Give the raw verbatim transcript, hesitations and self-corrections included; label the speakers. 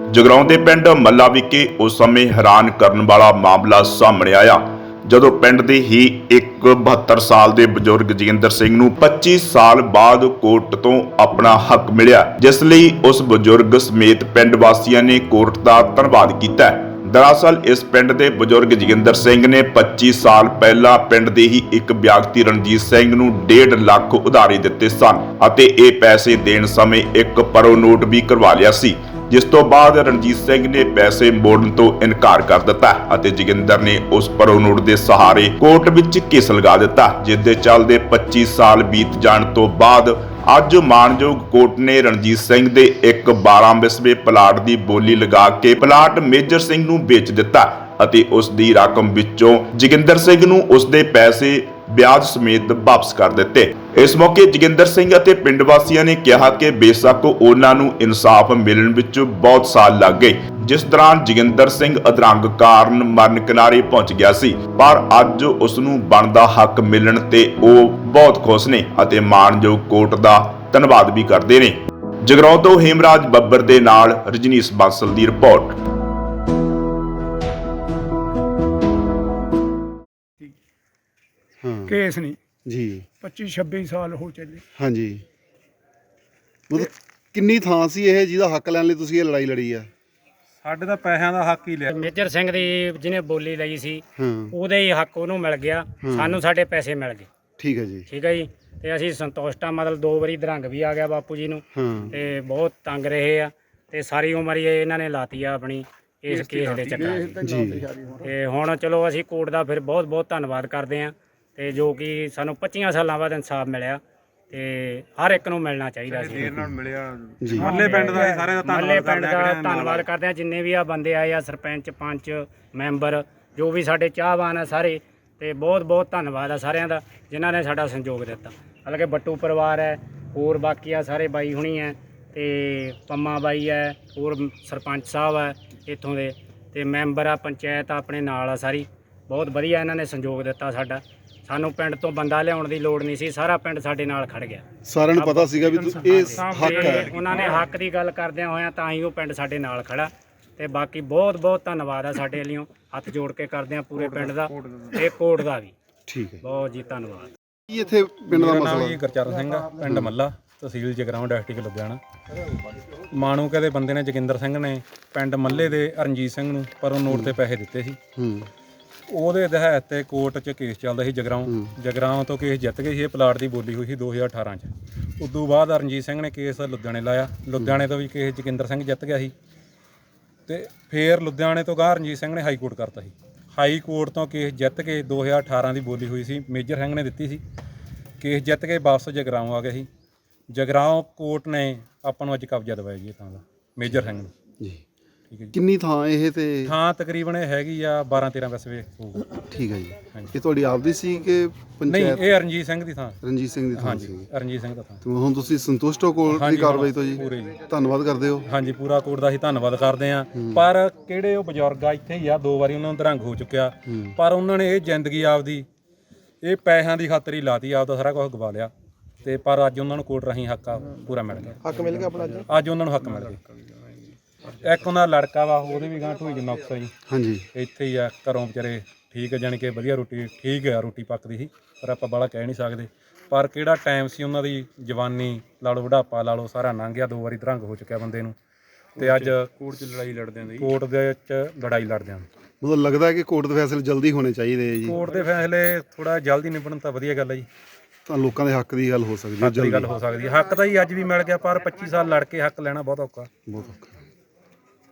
Speaker 1: ਜਗਰਾਉਂ ਦੇ ਪਿੰਡ ਮੱਲਾ ਵਿਖੇ ਉਸ ਸਮੇਂ ਹੈਰਾਨ ਕਰਨ ਵਾਲਾ ਮਾਮਲਾ ਸਾਹਮਣੇ ਆਇਆ ਜਦੋਂ ਪਿੰਡ ਦੇ ਹੀ ਇੱਕ ਬਹੱਤਰ ਸਾਲ ਦੇ ਬਜ਼ੁਰਗ ਜੋਗਿੰਦਰ ਸਿੰਘ ਨੂੰ ਪੱਚੀ ਸਾਲ ਬਾਅਦ ਕੋਰਟ ਤੋਂ ਆਪਣਾ ਹੱਕ ਮਿਲਿਆ, ਜਿਸ ਲਈ ਉਸ ਬਜ਼ੁਰਗ ਸਮੇਤ ਪਿੰਡ ਵਾਸੀਆਂ ਨੇ ਕੋਰਟ ਦਾ ਧੰਨਵਾਦ ਕੀਤਾ। ਦਰਅਸਲ ਇਸ ਪਿੰਡ ਦੇ ਬਜ਼ੁਰਗ ਜੋਗਿੰਦਰ ਸਿੰਘ ਨੇ ਪੱਚੀ ਸਾਲ ਪਹਿਲਾਂ ਪਿੰਡ ਦੇ ਹੀ ਇੱਕ ਵਿਅਕਤੀ ਰਣਜੀਤ ਸਿੰਘ ਨੂੰ ਡੇਢ ਲੱਖ ਉਧਾਰੇ ਦਿੱਤੇ ਸਨ ਅਤੇ ਇਹ ਪੈਸੇ ਦੇਣ ਸਮੇਂ ਇੱਕ ਪਰੋ ਨੋਟ ਵੀ ਕਰਵਾ ਲਿਆ ਸੀ, ਜਿਸ ਤੋਂ ਬਾਅਦ ਰਣਜੀਤ ਸਿੰਘ ਨੇ ਪੈਸੇ ਮੋੜਨ ਤੋਂ ਇਨਕਾਰ ਕਰ ਦਿੱਤਾ ਅਤੇ ਜੋਗਿੰਦਰ ਨੇ ਉਸ ਪਰੋ ਨੋਟ ਦੇ ਸਹਾਰੇ ਕੋਰਟ ਵਿੱਚ ਕੇਸ ਲਗਾ ਦਿੱਤਾ, ਜਿਸ ਦੇ ਚੱਲਦੇ ਪੱਚੀ ਸਾਲ ਬੀਤ ਜਾਣ ਤੋਂ ਬਾਅਦ ਅੱਜ ਮਾਨਯੋਗ ਕੋਰਟ ਨੇ ਰਣਜੀਤ ਸਿੰਘ ਦੇ ਇੱਕ ਬਾਰਾਂ ਵਿਸਵੇ ਪਲਾਟ ਦੀ ਬੋਲੀ ਲਗਾ ਕੇ ਪਲਾਟ ਮੇਜਰ ਸਿੰਘ ਨੂੰ ਵੇਚ ਦਿੱਤਾ ਅਤੇ ਉਸ ਦੀ ਰਕਮ ਵਿੱਚੋਂ ਜੋਗਿੰਦਰ ਸਿੰਘ ਨੂੰ ਉਸ ਦੇ ਪੈਸੇ ਵਿਆਜ ਸਮੇਤ ਵਾਪਸ ਕਰ ਦਿੱਤੇ। ਇਸ ਮੌਕੇ ਜੋਗਿੰਦਰ ਸਿੰਘ ਅਤੇ ਪਿੰਡ ਵਾਸੀਆਂ ਨੇ ਕਿਹਾ ਕਿ ਬੇਸ਼ੱਕ ਉਹਨਾਂ ਨੂੰ ਇਨਸਾਫ ਮਿਲਣ ਵਿੱਚ ਬਹੁਤ ਸਾਲ ਲੱਗ ਗਏ, ਜਿਸ ਦੌਰਾਨ ਜੋਗਿੰਦਰ ਸਿੰਘ ਅਧਰੰਗ ਕਾਰਨ ਮਰਨ ਕਿਨਾਰੇ ਪਹੁੰਚ ਗਿਆ ਸੀ, ਪਰ ਅੱਜ ਉਸ ਨੂੰ ਬਣਦਾ ਹੱਕ ਮਿਲਣ ਤੇ ਉਹ ਬਹੁਤ ਖੁਸ਼ ਨੇ ਅਤੇ ਮਾਨਯੋਗ ਕੋਰਟ ਦਾ ਧੰਨਵਾਦ ਵੀ ਕਰਦੇ ਨੇ। ਜਗਰਾਉਂ ਤੋਂ ਹੇਮਰਾਜ ਬੱਬਰ ਦੇ ਨਾਲ ਰਜਨੀਸ਼ ਬਾਂਸਲ ਦੀ ਰਿਪੋਰਟ।
Speaker 2: हाँ
Speaker 3: केस नहीं
Speaker 2: जी
Speaker 3: पच्चीस छब्बीस साल हो चले।
Speaker 2: हाँ जी मतलब किन्नी ਥਾਂ ਸੀ ਇਹ ਜਿਹਦਾ ਹੱਕ ਲੈਣ ਲਈ ਤੁਸੀਂ ਇਹ ਲੜਾਈ ਲੜੀ ਆ?
Speaker 4: ਸਾਡੇ ਤਾਂ ਪੈਸਿਆਂ ਦਾ ਹੱਕ ਹੀ ਲਿਆ।
Speaker 5: ਮੇਜਰ ਸਿੰਘ ਦੀ ਜਿਹਨੇ ਬੋਲੀ ਲਈ ਸੀ
Speaker 2: ਹਾਂ
Speaker 5: ਉਹਦੇ ਹੀ ਹੱਕ ਉਹਨੂੰ ਮਿਲ ਗਿਆ, ਸਾਨੂੰ ਸਾਡੇ ਪੈਸੇ ਮਿਲ ਗਏ।
Speaker 2: ਠੀਕ ਹੈ ਜੀ।
Speaker 5: ਠੀਕ ਹੈ ਜੀ, ਤੇ ਅਸੀਂ ਸੰਤੁਸ਼ਟ ਆ। ਮਤਲਬ ਦੋ ਵਾਰੀ ਦਰੰਗ ਵੀ ਆ ਗਿਆ ਬਾਪੂ ਜੀ ਨੂੰ
Speaker 2: ਹਾਂ
Speaker 5: ਤੇ ਬਹੁਤ ਤੰਗ ਰਹੇ ਆ ਤੇ ਸਾਰੀ ਉਮਰ ਹੀ ਇਹਨਾਂ ਨੇ ਲਾਤੀ ਆ ਆਪਣੀ ਇਸ ਕੇਸ ਦੇ ਚੱਕਰਾਂ 'ਚ।
Speaker 2: ਜੀ
Speaker 5: ਤੇ ਹੁਣ ਚਲੋ ਅਸੀਂ ਕੋਰਟ ਦਾ ਫਿਰ ਬਹੁਤ ਬਹੁਤ ਧੰਨਵਾਦ ਕਰਦੇ ਆ ਤੇ ਜੋ ਕਿ ਸਾਨੂੰ ਪੱਚੀਆਂ ਸਾਲਾਂ ਬਾਅਦ ਇਨਸਾਫ ਮਿਲਿਆ ਤੇ ਹਰ ਇੱਕ ਨੂੰ ਮਿਲਣਾ ਚਾਹੀਦਾ ਸੀ।
Speaker 4: ਦੇਰ ਨਾਲ ਮਿਲਿਆ
Speaker 2: ਜੀ
Speaker 4: ਮੱਲੇ ਪਿੰਡ ਦਾ ਸਾਰੇ ਦਾ
Speaker 5: ਮੱਲੇ
Speaker 4: ਧੰਨਵਾਦ
Speaker 5: ਪਿੰਡ ਦਾ ਧੰਨਵਾਦ ਕਰਦੇ ਆ, ਜਿੰਨੇ ਵੀ ਆ ਬੰਦੇ ਆਏ ਆ, ਸਰਪੰਚ ਪੰਚ ਮੈਂਬਰ ਜੋ ਵੀ ਸਾਡੇ ਚਾਹਵਾਨ ਆ ਸਾਰੇ, ਤੇ ਬਹੁਤ ਬਹੁਤ ਧੰਨਵਾਦ ਆ ਸਾਰਿਆਂ ਦਾ ਜਿਨ੍ਹਾਂ ਨੇ ਸਾਡਾ ਸਹਿਯੋਗ ਦਿੱਤਾ। ਹਾਲਾਂਕਿ ਬੱਟੂ ਪਰਿਵਾਰ ਹੈ, ਹੋਰ ਬਾਕੀ ਆ ਸਾਰੇ ਬਾਈ ਹੁਣੀ ਹੈ ਤੇ ਪੰਮਾ ਬਾਈ ਹੈ, ਹੋਰ ਸਰਪੰਚ ਸਾਹਿਬ ਹੈ ਇੱਥੋਂ ਦੇ, ਤੇ ਮੈਂਬਰ ਆ ਪੰਚਾਇਤ ਆਪਣੇ ਨਾਲ ਆ ਸਾਰੀ। ਬਹੁਤ ਵਧੀਆ ਇਹਨਾਂ ਨੇ ਸਹਿਯੋਗ ਦਿੱਤਾ ਸਾਡਾ। ਸਾਨੂੰ ਪਿੰਡ ਤੋਂ ਬੰਦਾ ਲਿਆਉਣ ਦੀ ਲੋੜ ਨਹੀਂ ਸੀ, ਸਾਰਾ ਪਿੰਡ ਸਾਡੇ ਨਾਲ ਖੜ ਗਿਆ।
Speaker 2: ਸਾਰਿਆਂ ਨੂੰ ਪਤਾ ਸੀਗਾ ਵੀ ਤੁ- ਇਹ ਹੱਕ
Speaker 5: ਤੇ
Speaker 2: ਹੈ।
Speaker 5: ਉਹਨਾਂ ਨੇ ਹੱਕ ਦੀ ਗੱਲ ਕਰਦਿਆਂ ਹੋਇਆਂ ਤਾਂ ਹੀ ਉਹ ਪਿੰਡ ਸਾਡੇ ਨਾਲ ਖੜਾ। ਤੇ ਬਾਕੀ ਬਹੁਤ ਬਹੁਤ ਧੰਨਵਾਦ ਆ ਸਾਡੇ ਵੱਲੋਂ, ਹੱਥ ਜੋੜ ਕੇ ਕਰਦੇ ਆ ਪੂਰੇ ਪਿੰਡ ਦਾ ਤੇ ਕੋਰਟ ਦਾ ਵੀ।
Speaker 2: ਠੀਕ ਹੈ
Speaker 5: ਬਹੁਤ ਜੀ ਧੰਨਵਾਦ।
Speaker 2: ਕੀ ਇੱਥੇ ਪਿੰਡ ਦਾ
Speaker 4: ਨਾਮ
Speaker 2: ਮਸਲਾ?
Speaker 4: ਜੀ ਗੁਰਚਰਨ ਸਿੰਘ ਆ, ਪਿੰਡ ਮੱਲਾ, ਤਹਿਸੀਲ ਜਗਰਾਉਂ, ਡਿਸਟ੍ਰਿਕਟ ਲੁਧਿਆਣਾ। ਮਾਣੂ ਕਹਦੇ ਬੰਦੇ ਨੇ ਜੋਗਿੰਦਰ ਸਿੰਘ ਨੇ ਪਿੰਡ ਮੱਲੇ ਦੇ ਰਣਜੀਤ ਸਿੰਘ ਨੂੰ ਪਰ ਉਹ ਨੋਟ ਤੇ ਪੈਸੇ ਦਿੱਤੇ ਸੀ।
Speaker 2: ਹੂੰ
Speaker 4: ਉਹਦੇ ਦਹਾਇਤ ਤੇ ਕੋਰਟ 'ਚ ਕੇਸ ਚੱਲਦਾ ਸੀ ਜਗਰਾਉਂ। ਜਗਰਾਉਂ ਤੋਂ ਕੇਸ ਜਿੱਤ ਗਏ ਸੀ। ਇਹ ਪਲਾਟ ਦੀ ਬੋਲੀ ਹੋਈ ਸੀ ਦੋ ਹਜ਼ਾਰ ਅਠਾਰਾਂ 'ਚ। ਉਦੋਂ ਬਾਅਦ ਰਣਜੀਤ ਸਿੰਘ ਨੇ ਕੇਸ ਲੁਧਿਆਣੇ ਲਾਇਆ। ਲੁਧਿਆਣੇ ਤੋਂ ਵੀ ਕੇਸ ਜੋਗਿੰਦਰ ਸਿੰਘ ਜਿੱਤ ਗਿਆ ਸੀ ਤੇ ਫਿਰ ਲੁਧਿਆਣੇ ਤੋਂ ਗਾਹ ਰਣਜੀਤ ਸਿੰਘ ਨੇ ਹਾਈ ਕੋਰਟ ਕਰਤਾ ਸੀ। ਹਾਈ ਕੋਰਟ ਤੋਂ ਕੇਸ ਜਿੱਤ ਕੇ ਦੋ ਹਜ਼ਾਰ ਅਠਾਰਾਂ ਦੀ ਬੋਲੀ ਹੋਈ ਸੀ, ਮੇਜਰ ਸਿੰਘ ਨੇ ਦਿੱਤੀ ਸੀ। ਕੇਸ ਜਿੱਤ ਕੇ ਵਾਪਸ ਜਗਰਾਉਂ ਆ ਗਿਆ ਸੀ। ਜਗਰਾਉਂ ਕੋਰਟ ਨੇ ਆਪਾਂ ਨੂੰ ਅੱਜ ਕਬਜ਼ਾ ਦਿਵਾਇਆ ਜੀ ਥਾਂ ਦਾ, ਮੇਜਰ ਸਿੰਘ ਨੂੰ।
Speaker 2: ਜੀ
Speaker 4: ਠੀਕ ਹੈ ਜੀ।
Speaker 2: ਕਿੰਨੀ ਥਾਂ ਇਹ ਤੇ?
Speaker 4: ਥਾਂ ਤਕਰੀਬਨ ਇਹ ਹੈਗੀ ਆ ਬਾਰਾਂ ਤੇਰਾਂ ਵਿਸਵੇ ਹੋਊਗਾ।
Speaker 2: ਠੀਕ ਹੈ ਜੀ।
Speaker 4: ਹਾਂਜੀ।
Speaker 2: ਇਹ ਤੁਹਾਡੀ ਆਪਦੀ ਸੀ ਕਿ
Speaker 4: ਨਹੀਂ,
Speaker 2: ਪੰਚਾਇਤ?
Speaker 4: ਇਹ ਰਣਜੀਤ ਸਿੰਘ ਦੀ ਥਾਂ।
Speaker 2: ਰਣਜੀਤ ਸਿੰਘ ਦੀ ਥਾਂ
Speaker 4: ਹਾਂਜੀ,
Speaker 2: ਸੀ।
Speaker 4: ਰਣਜੀਤ ਸਿੰਘ ਦਾ ਥਾਂ।
Speaker 2: ਤੇ ਹੁਣ ਤੁਸੀਂ ਸੰਤੁਸ਼ਟ ਹੋ ਕੋਰਟ ਦੀ
Speaker 4: ਹਾਂਜੀ,
Speaker 2: ਕਾਰਵਾਈ ਤੋਂ ਜੀ?
Speaker 4: ਪੂਰੇ ਜੀ।
Speaker 2: ਧੰਨਵਾਦ ਕਰਦੇ ਹੋ।
Speaker 4: ਹਾਂਜੀ, ਪੂਰਾ ਕੋਰਟ ਦਾ ਅਸੀਂ ਧੰਨਵਾਦ ਕਰਦੇ ਆਂ। ਪਰ ਕਿਹੜੇ ਉਹ ਬਜ਼ੁਰਗ ਆ ਇੱਥੇ ਹੀ ਆ, ਦੋ ਵਾਰੀ ਉਹਨਾਂ ਨੂੰ ਦਰੰਗ ਹੋ ਚੁੱਕਿਆ, ਪਰ ਉਹਨਾਂ ਨੇ ਇਹ ਜ਼ਿੰਦਗੀ ਆਪਦੀ ਇਹ ਪੈਸਿਆਂ ਦੀ ਖਾਤਰ ਹੀ ਲਾਤੀ, ਆਪਦਾ ਸਾਰਾ ਕੁਝ ਗਵਾ ਲਿਆ। ਤੇ ਪਰ ਅੱਜ ਉਹਨਾਂ ਨੂੰ ਕੋਰਟ ਰਾਹੀਂ ਹੱਕ ਆ ਪੂਰਾ ਮਿਲ ਗਿਆ।
Speaker 2: ਹੱਕ ਮਿਲ ਗਿਆ ਆਪਣਾ ਅੱਜ?
Speaker 4: ਅੱਜ ਉਹਨਾਂ ਨੂੰ ਹੱਕ ਮਿਲ ਗਿਆ। ਇੱਕ ਉਹਨਾਂ ਦਾ ਲੜਕਾ ਵਾ, ਉਹਦੇ ਵੀ ਗਾਂ ਢੋਈ ਨੁਕਸ ਆ ਜੀ,
Speaker 2: ਹਾਂਜੀ
Speaker 4: ਇੱਥੇ ਹੀ ਆ ਘਰੋਂ ਵਿਚਾਰੇ। ਠੀਕ ਹੈ, ਜਾਣੀ ਕਿ ਵਧੀਆ ਰੋਟੀ ਠੀਕ ਆ, ਰੋਟੀ ਪੱਕਦੀ ਸੀ, ਪਰ ਆਪਾਂ ਬਾਹਲਾ ਕਹਿ ਨਹੀਂ ਸਕਦੇ। ਪਰ ਕਿਹੜਾ ਟਾਈਮ ਸੀ ਉਹਨਾਂ ਦੀ, ਜਵਾਨੀ ਲਾ ਲਓ, ਬੁਢਾਪਾ ਲਾ ਲਓ, ਸਾਰਾ ਲੰਘ ਗਿਆ। ਦੋ ਵਾਰੀ ਦਰੰਗ ਹੋ ਚੁੱਕਿਆ ਬੰਦੇ ਨੂੰ ਤੇ ਅੱਜ ਕੋਰਟ 'ਚ ਲੜਾਈ ਲੜਦਿਆਂ ਦੀ ਕੋਰਟ ਦੇ ਵਿੱਚ ਲੜਾਈ ਲੜਦਿਆਂ
Speaker 2: ਮਤਲਬ ਲੱਗਦਾ ਹੈ ਕਿ ਕੋਰਟ ਦੇ ਫੈਸਲੇ ਜਲਦੀ ਹੋਣੇ ਚਾਹੀਦੇ ਆ ਜੀ?
Speaker 4: ਕੋਰਟ ਦੇ ਫੈਸਲੇ ਥੋੜਾ ਜਲਦੀ ਨਿਬੜਨ ਤਾਂ ਵਧੀਆ ਗੱਲ ਹੈ ਜੀ।
Speaker 2: ਤਾਂ ਲੋਕਾਂ ਦੇ ਹੱਕ ਦੀ ਗੱਲ ਹੋ ਸਕਦੀ ਹੈ
Speaker 4: ਹੱਕ ਦੀ ਗੱਲ ਹੋ ਸਕਦੀ ਹੈ। ਹੱਕ ਤਾਂ ਹੀ ਅੱਜ ਵੀ ਮਿਲ ਗਿਆ, ਪਰ ਪੱਚੀ ਸਾਲ ਲੜ ਕੇ ਹੱਕ ਲੈਣਾ ਬਹੁਤ ਔਖਾ।
Speaker 2: ਬਹੁਤ ਔਖਾ।